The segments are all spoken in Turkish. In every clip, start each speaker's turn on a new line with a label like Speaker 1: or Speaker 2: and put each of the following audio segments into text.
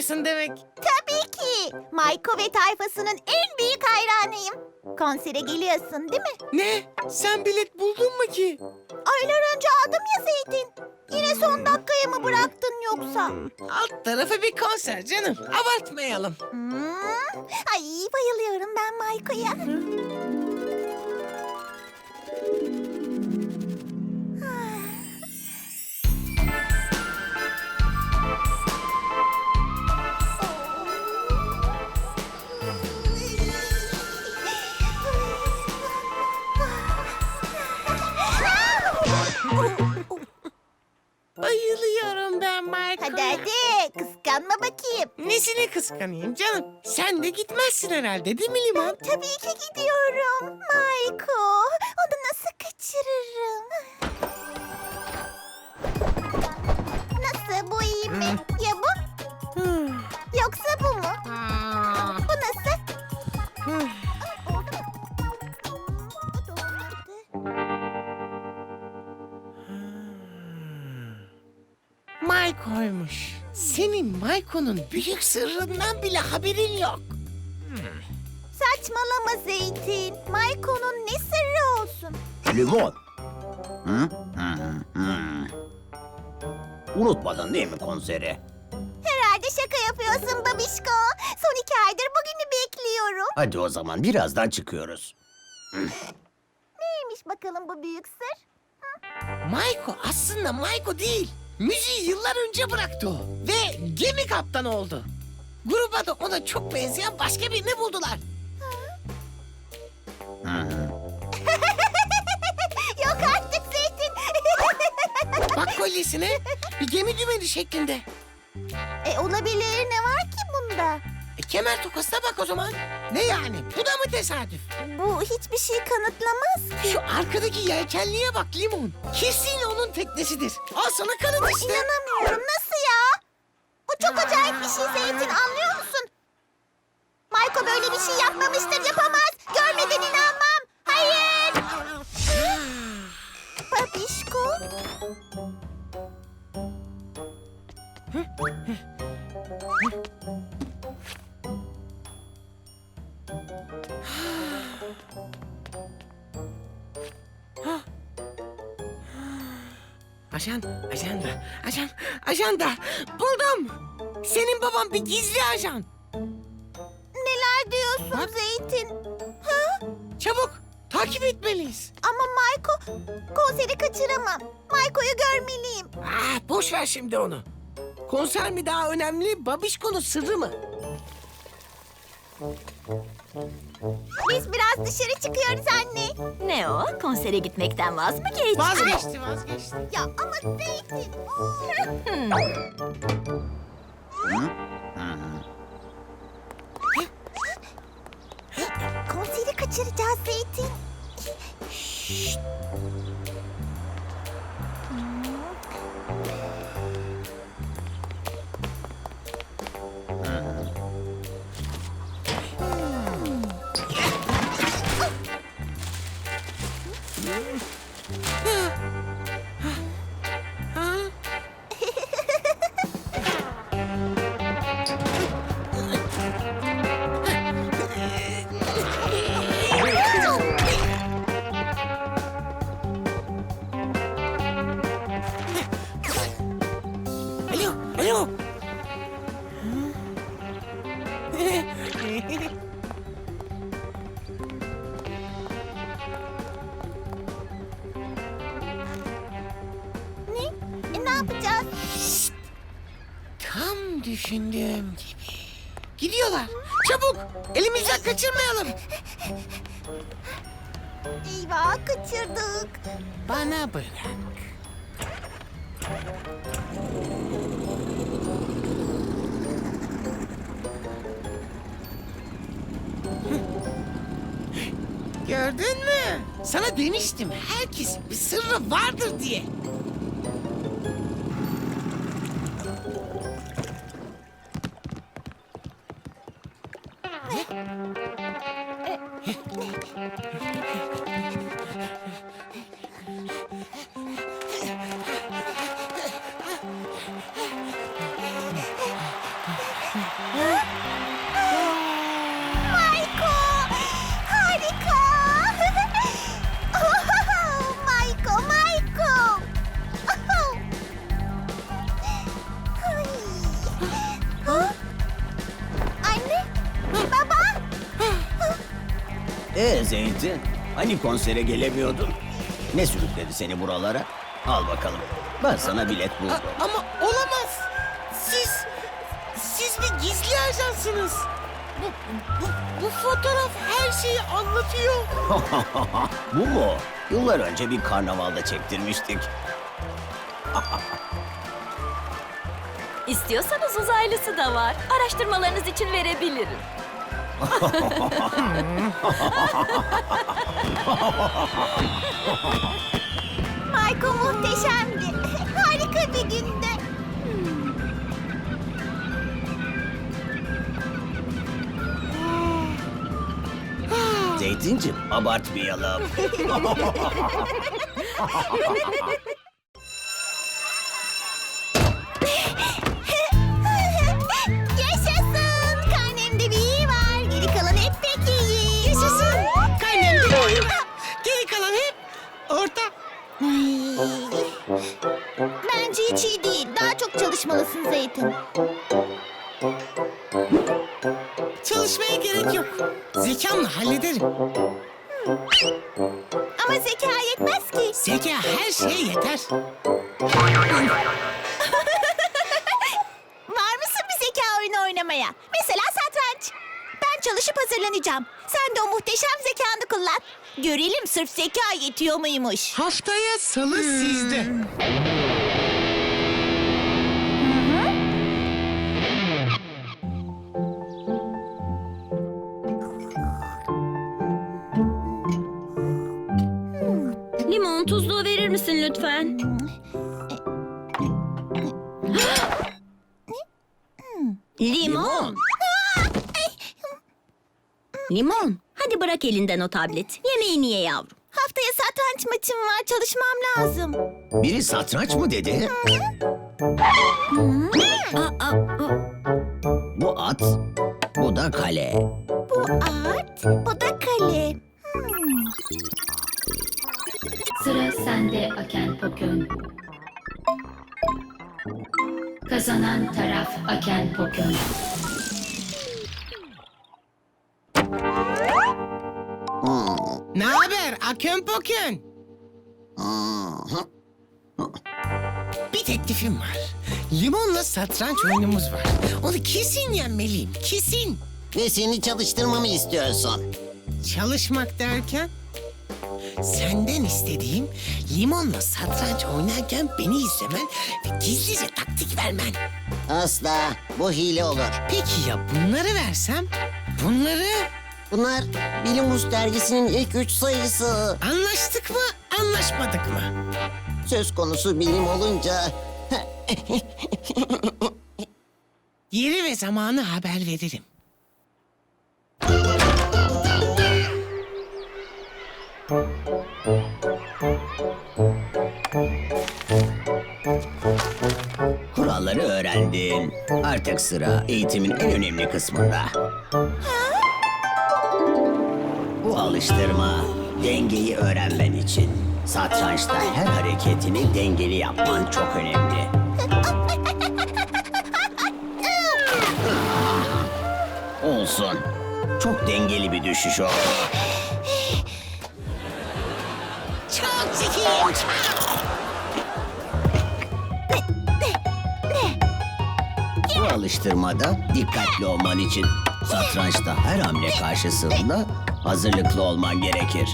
Speaker 1: gidiyorsun demek.
Speaker 2: Tabii ki. Mayko ve tayfasının en büyük hayranıyım. Konsere geliyorsun değil mi?
Speaker 1: Ne? Sen bilet buldun mu ki?
Speaker 2: Aylar önce aldım ya Zeytin. Yine son dakikaya mı bıraktın yoksa?
Speaker 1: Alt tarafı bir konser canım. Abartmayalım.
Speaker 2: Ay bayılıyorum ben Mayko'ya.
Speaker 1: Bayılıyorum ben Michael'a.
Speaker 2: Hadi hadi kıskanma bakayım.
Speaker 1: Nesini kıskanayım canım? Sen de gitmezsin herhalde değil mi Limon?
Speaker 2: Tabii ki gidiyorum. Mayko, onu nasıl kaçırırım? Nasıl, bu iyi mi? Ya bu? Yoksa bu mu? Bu nasıl? Oldu mu? Bu da olmadı.
Speaker 1: Mayko'ymuş. Senin Mayko'nun büyük sırrından bile haberin yok.
Speaker 2: Saçmalama Zeytin. Mayko'nun ne sırrı olsun?
Speaker 3: Limon. Hı? Unutmadın değil mi konseri?
Speaker 2: Herhalde şaka yapıyorsun babişko. Son 2 aydır bugünü bekliyorum.
Speaker 3: Hadi o zaman birazdan çıkıyoruz.
Speaker 2: Neymiş bakalım bu büyük sır?
Speaker 1: Mayko aslında Mayko değil. Müziği yıllar önce bıraktı o. Ve gemi kaptanı oldu. Gruba da ona çok benzeyen başka birini buldular.
Speaker 2: Yok artık Zeytin.
Speaker 1: Bak kolyesine bir gemi dümeni şeklinde.
Speaker 2: Olabilir, ne var ki bunda?
Speaker 1: Kemer tokasına bak o zaman. Ne yani? Bu da mı tesadüf?
Speaker 2: Bu hiçbir şey kanıtlamaz ki.
Speaker 1: Şu arkadaki yelkenliğe bak Limon. Kesin onun teknesidir. Al sana kanıt işte.
Speaker 2: İnanamıyorum, nasıl ya? Bu çok acayip bir şey Zeytin, anlıyor musun? Mayko böyle bir şey yapmamıştır, yapamaz. Görmeden inanmam. Hayır. Babişko.
Speaker 1: Ajanda. Buldum. Senin baban bir gizli ajan.
Speaker 2: Neler diyorsun
Speaker 1: Bak.
Speaker 2: Zeytin?
Speaker 1: Çabuk, takip etmeliyiz.
Speaker 2: Ama Mayko, konseri kaçıramam. Mayko'yu görmeliyim.
Speaker 1: Boş ver şimdi onu. Konser mi daha önemli, babişkonun sırrı mı?
Speaker 2: Biz biraz dışarı çıkıyoruz anne.
Speaker 4: Ne o? Konsere gitmekten vaz mı geçtin?
Speaker 1: Vazgeçti.
Speaker 2: Ya ama Zeytin. Konseri kaçıracağız Zeytin.
Speaker 1: Alo.
Speaker 2: Ne yapacağız?
Speaker 1: Tam düşündüğüm gibi. Gidiyorlar. Çabuk. Elimizden kaçırmayalım.
Speaker 2: Eyvah, kaçırdık.
Speaker 1: Bana bırak. Gördün mü? Sana demiştim, herkesin bir sırrı vardır diye.
Speaker 2: Maiko! Harika! Maiko, Maiko! Ay. Anne, baba!
Speaker 3: Zeytin, hani konsere gelemiyordun? Ne sürükledi seni buralara? Al bakalım. Ben sana bilet buldum.
Speaker 1: Ama olamaz. Siz bir gizli ajansınız. Bu fotoğraf her şeyi anlatıyor.
Speaker 3: Bu mu? Yıllar önce bir karnavalda çektirmiştik.
Speaker 4: İstiyorsanız uzaylısı da var. Araştırmalarınız için verebilirim.
Speaker 2: Maiko muhteşemdi. Harika bir gündü.
Speaker 3: Zeytincim, abartmayalım.
Speaker 2: Yaşasın! Karnemde bir iyi var. Geri kalan hep pek iyi.
Speaker 1: Yaşasın. Karnemde bir iyi var. Geri kalan hep orta.
Speaker 2: Bence hiç iyi değil. Daha çok çalışmalısın Zeytin.
Speaker 1: Çalışmaya gerek yok. Zekamla hallederim.
Speaker 2: Ama zeka yetmez ki.
Speaker 1: Zeka her şeye yeter.
Speaker 2: Var mısın bir zeka oyunu oynamaya? Mesela satranç. Ben çalışıp hazırlanacağım. Sen de o muhteşem zekanı kullan. Görelim sırf zeka yetiyor muymuş.
Speaker 1: Haftaya salı sizde.
Speaker 4: Limon tuzluğu verir misin lütfen? Limon. Limon. Hadi bırak elinden o tablet. Yemeğini ye yavrum.
Speaker 2: Haftaya satranç maçım var. Çalışmam lazım.
Speaker 3: Biri satranç mı dedi? Bu at, bu da kale.
Speaker 2: Bu at, bu da kale.
Speaker 5: Sıra sende Aken Pokön. Kazanan taraf Aken Pokön.
Speaker 1: Ne haber Akön Pokön? Bir teklifim var. Limonla satranç oyunumuz var. Onu kesin yenmeliyim, kesin.
Speaker 6: Ve seni çalıştırmamı istiyorsun.
Speaker 1: Çalışmak derken? Senden istediğim limonla satranç oynarken beni izlemen ve gizlice taktik vermen.
Speaker 6: Asla. Bu hile olur.
Speaker 1: Peki ya bunları versem? Bunları
Speaker 6: Bunlar Bilim Buz dergisinin ilk 3 sayısı.
Speaker 1: anlaştık mı, anlaşmadık mı?
Speaker 6: Söz konusu bilim olunca...
Speaker 1: Yeri ve zamanı haber veririm.
Speaker 3: Kuralları öğrendin. Artık sıra eğitimin en önemli kısmında. Bu alıştırma dengeyi öğrenmen için. Satrançta her hareketini dengeli yapman çok önemli. Olsun. Çok dengeli bir düşüş oldu.
Speaker 1: Çok zekiyim, çok.
Speaker 3: Bu alıştırmada dikkatli olman için satrançta her hamle karşısında hazırlıklı olman gerekir.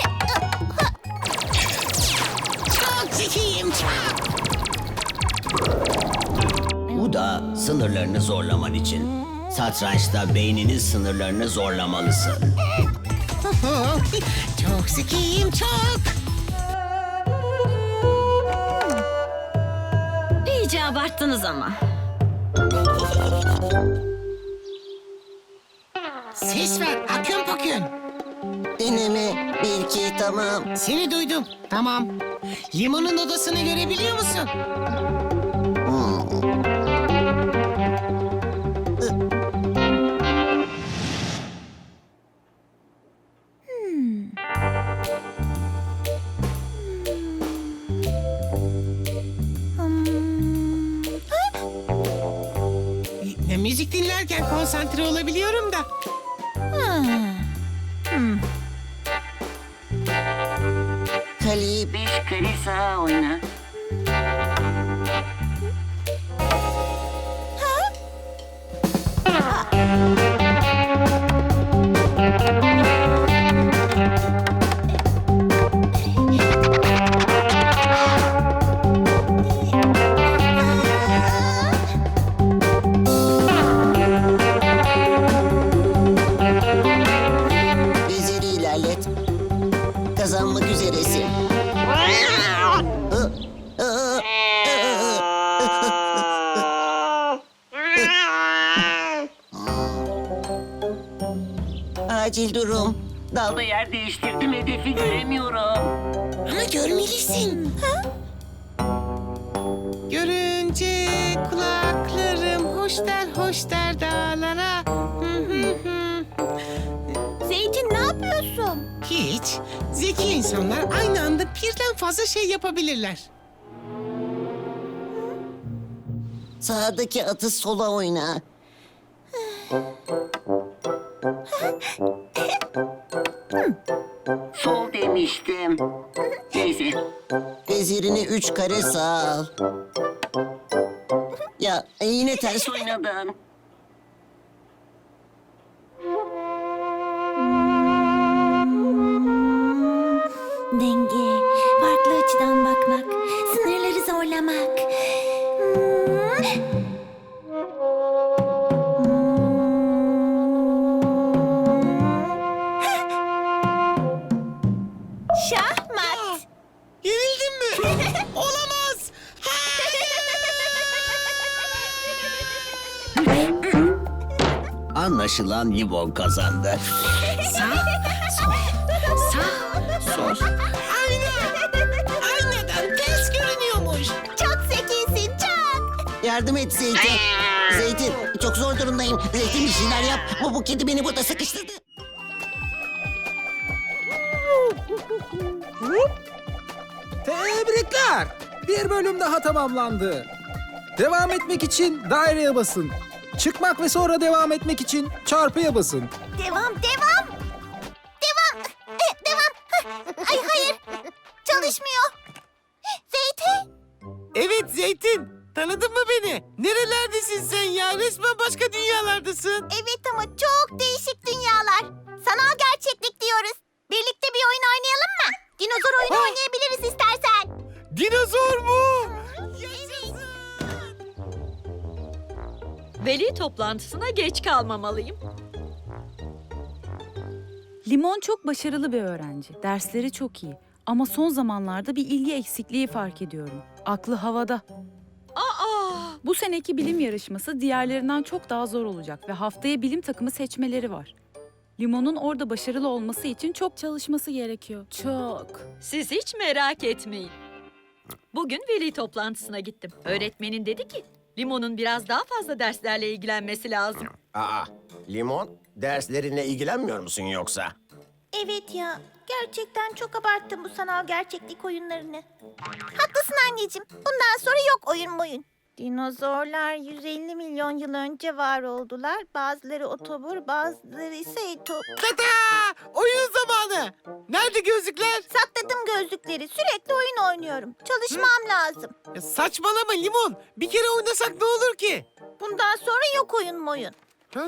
Speaker 1: Çok zekiyim, çok.
Speaker 3: Bu da sınırlarını zorlaman için. Satrançta beyninin sınırlarını zorlamalısın.
Speaker 1: Çok zekiyim, çok.
Speaker 4: İyice abarttınız ama.
Speaker 1: Ses ver Akön Pokön.
Speaker 6: Deneme 1 2 tamam.
Speaker 1: Seni duydum. Tamam. Limonun odasını görebiliyor musun? konsantre olabiliyorum da.
Speaker 6: Kaleyi
Speaker 3: 5 kare sağa oyna.
Speaker 6: veziri ilerlet. Kazanmak üzeresin. Acil durum. Dalda
Speaker 3: Yer değiştirdim, hedefi göremiyorum.
Speaker 1: Ama görmelisin. Görünce kulaklarım hoş der dağlara.
Speaker 2: Zeytin ne yapıyorsun?
Speaker 1: Hiç. Zeki insanlar aynı anda birden fazla şey yapabilirler.
Speaker 6: sağdaki atı sola oyna.
Speaker 3: Sol demiştim. Neyse.
Speaker 6: Vezirini 3 kare sağa al. Ya yine ters
Speaker 3: Oynadın.
Speaker 2: Denge, farklı açıdan bakmak, sınırları zorlamak. Şahmat.
Speaker 1: Yenildin mi? Olamaz.
Speaker 3: Anlaşılan Limon kazandı.
Speaker 1: Aynadan ters görünüyormuş.
Speaker 2: Çok zekisin, çok.
Speaker 6: yardım et Zeytin. Zeytin çok zor durumdayım. Zeytin bir şeyler yap. Bu kedi beni burada sıkıştırdı.
Speaker 7: Tebrikler! Bir bölüm daha tamamlandı. Devam etmek için daireye basın. Çıkmak ve sonra devam etmek için çarpıya basın.
Speaker 2: Devam. Ay hayır. Çalışmıyor. Zeytin.
Speaker 1: Evet Zeytin. Tanıdın mı beni? Nerelerdesin sen ya? Resmen başka dünyalardasın.
Speaker 2: Evet ama çok değişik dünyalar. Sanal gerçeklik diyoruz. Birlikte bir oyun oynayalım mı? Dinozor oyunu oynayabiliriz istersen.
Speaker 1: Dinozor mu?
Speaker 4: Veli toplantısına geç kalmamalıyım.
Speaker 8: Limon çok başarılı bir öğrenci. Dersleri çok iyi. Ama son zamanlarda bir ilgi eksikliği fark ediyorum. Aklı havada. Bu seneki bilim yarışması diğerlerinden çok daha zor olacak ve haftaya bilim takımı seçmeleri var. Limon'un orada başarılı olması için çok çalışması gerekiyor. Çok.
Speaker 4: Siz hiç merak etmeyin. Bugün veli toplantısına gittim. Öğretmenin dedi ki, Limon'un biraz daha fazla derslerle ilgilenmesi lazım.
Speaker 9: Aa, Limon, derslerinle ilgilenmiyor musun yoksa?
Speaker 2: Evet ya. Gerçekten çok abarttım bu sanal gerçeklik oyunlarını. Haklısın anneciğim. Bundan sonra yok oyun. Dinozorlar 150 milyon yıl önce var oldular. Bazıları otobur, bazıları ise etop.
Speaker 1: Tata! Oyun zamanı. Nerede gözlükler?
Speaker 2: Sakladım gözlükleri. Sürekli oyun oynuyorum. Çalışmam lazım.
Speaker 1: Ya saçmalama Limon. Bir kere oynasak ne olur ki?
Speaker 2: Bundan sonra yok oyun.
Speaker 1: Ha?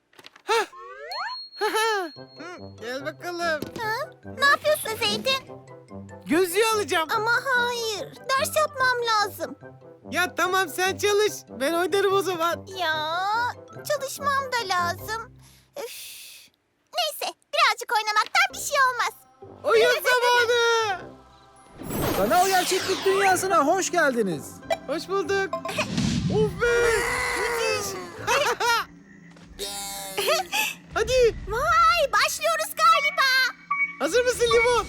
Speaker 1: Gel bakalım.
Speaker 2: Ne yapıyorsun Zeytin?
Speaker 1: Gözlüğü alacağım.
Speaker 2: Ama hayır. Ders yapmam lazım.
Speaker 1: Ya tamam sen çalış. Ben oynarım o zaman.
Speaker 2: Ya çalışmam da lazım. Üf. Neyse birazcık oynamaktan bir şey olmaz.
Speaker 1: Oyun zamanı.
Speaker 7: Sanal gerçeklik dünyasına hoş geldiniz.
Speaker 1: Hoş bulduk. Of be. Müthiş. Hadi.
Speaker 2: Vay başlıyoruz galiba.
Speaker 1: Hazır mısın Limon?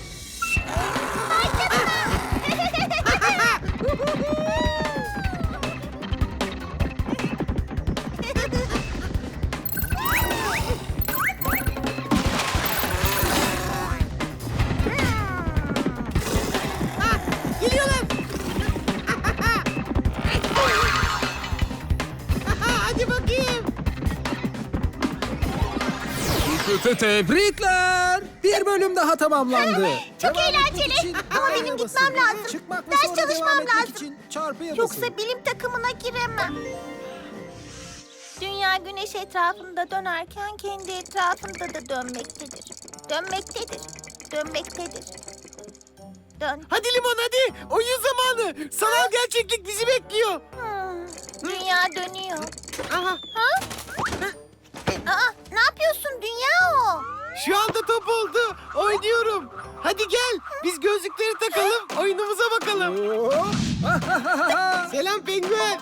Speaker 1: Geliyorlar. Hadi bakayım.
Speaker 7: Tebrikler. Bir bölüm daha tamamlandı.
Speaker 2: Çok
Speaker 7: Devam etmek
Speaker 2: eğlenceli.
Speaker 7: için
Speaker 2: Ama
Speaker 7: daireye
Speaker 2: benim
Speaker 7: basın.
Speaker 2: gitmem lazım.
Speaker 7: Çıkmak ve
Speaker 2: Ders
Speaker 7: sonra
Speaker 2: çalışmam
Speaker 7: devam etmek
Speaker 2: lazım.
Speaker 7: için çarpıya basın.
Speaker 2: Yoksa bilim takımına giremem. Dünya güneş etrafında dönerken kendi etrafında da dönmektedir. Dönmektedir. Dönmektedir. Dön.
Speaker 1: Hadi Limon hadi. Oyun zamanı. Sanal gerçeklik bizi bekliyor.
Speaker 2: Dünya dönüyor.
Speaker 1: Aha.
Speaker 2: Aa, ne yapıyorsun? Dünya o.
Speaker 1: Şu anda top oldu. Oynuyorum. Hadi gel. Biz gözlükleri takalım. Oyunumuza bakalım. Selam penguen.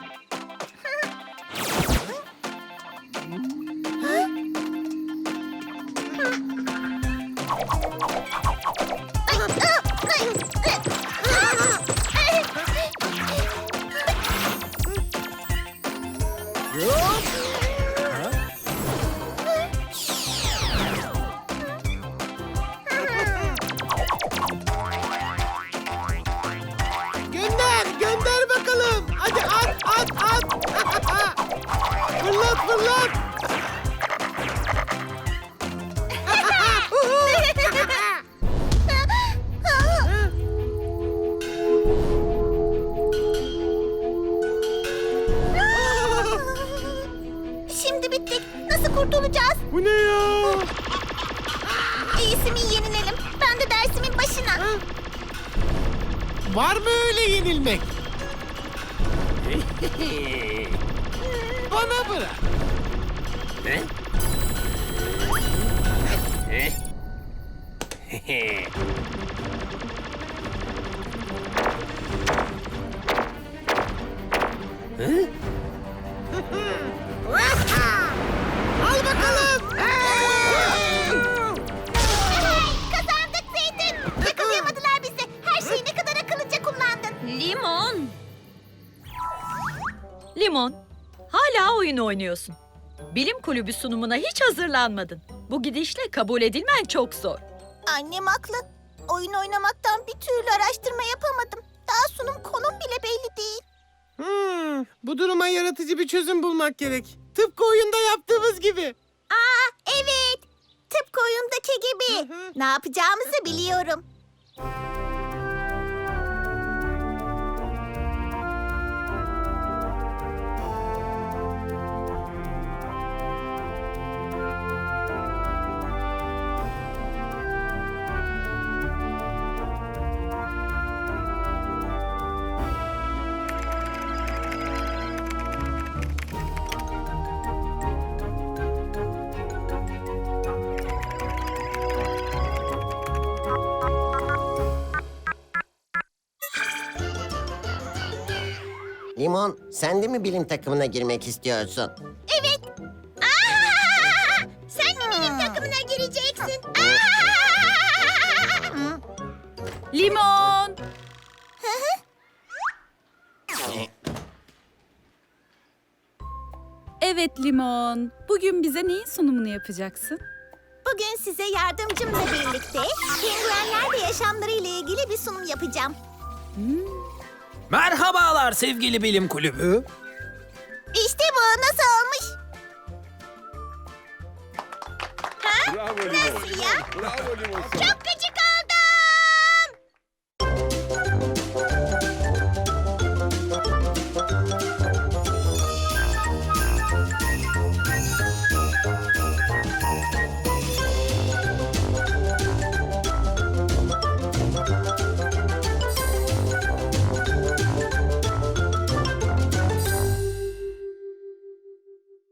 Speaker 1: Gönder bakalım. Hadi at. Fırlat.
Speaker 2: Şimdi bittik. Nasıl kurtulacağız?
Speaker 1: Bu ne ya?
Speaker 2: İyisi mi yenilelim? Ben de dersimin başına.
Speaker 1: Var mı öyle yenilmek? Bana bırak. Al bakalım.
Speaker 2: Kazandık Zeytin. Yakalayamadılar bizi. Her şeyi ne kadar akıllıca kullandın.
Speaker 4: Limon. Limon, hala oyun oynuyorsun. Bilim kulübü sunumuna hiç hazırlanmadın. Bu gidişle kabul edilmen çok zor.
Speaker 2: Annem haklı. Oyun oynamaktan bir türlü araştırma yapamadım. Daha sunum konum bile belli değil.
Speaker 1: Bu duruma yaratıcı bir çözüm bulmak gerek. Tıpkı oyunda yaptığımız gibi.
Speaker 2: Aa, evet. Tıpkı oyundaki gibi. Ne yapacağımızı biliyorum.
Speaker 6: Limon, sen de mi bilim takımına girmek istiyorsun?
Speaker 2: Evet. Aa! Sen de benim takımına gireceksin. Aa!
Speaker 8: Limon! Evet Limon. Bugün bize neyin sunumunu yapacaksın?
Speaker 2: Bugün size yardımcımla birlikte penguenlerle yaşamları ile ilgili bir sunum yapacağım.
Speaker 7: Merhabalar sevgili bilim kulübü.
Speaker 2: İşte bu nasıl olmuş? Ha? Nasıl ya? Çok güzel.